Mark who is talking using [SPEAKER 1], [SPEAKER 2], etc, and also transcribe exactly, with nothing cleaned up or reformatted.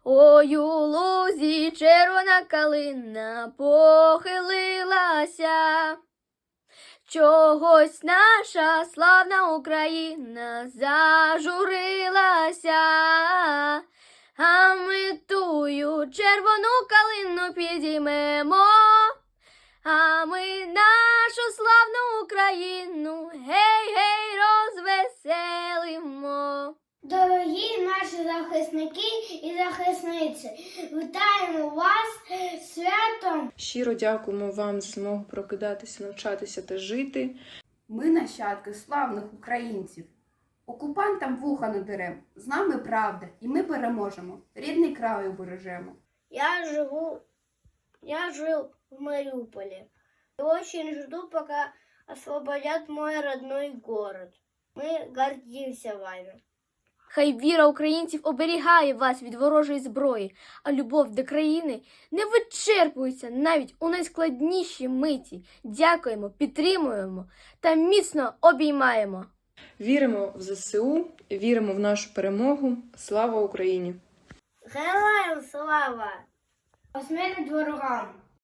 [SPEAKER 1] Ой, у лузі червона калина похилилася. Чогось наша славна Україна зажурилася, а ми тую червону калину підіймемо, а ми нашу славну Україну гей-гей розвеселимо.
[SPEAKER 2] Дорогі наші захисники і захисниці, вітаємо вас з святом!
[SPEAKER 3] Щиро дякуємо вам за змогу прокидатися, навчатися та жити.
[SPEAKER 4] Ми нащадки славних українців. Окупантам вуха не дерем, з нами правда, і ми переможемо, рідний край убережемо.
[SPEAKER 2] Я живу, я жил в Мариуполе и очень жду, пока освободят мой родной город. Мы гордимся вами.
[SPEAKER 1] Хай віра українців оберігає вас від ворожої зброї, а любов до країни не вичерпується навіть у найскладнішій миті. Дякуємо, підтримуємо та міцно обіймаємо.
[SPEAKER 3] Віримо в ЗСУ, віримо в нашу перемогу. Слава Україні!
[SPEAKER 2] Героям слава! Смерть ворогам!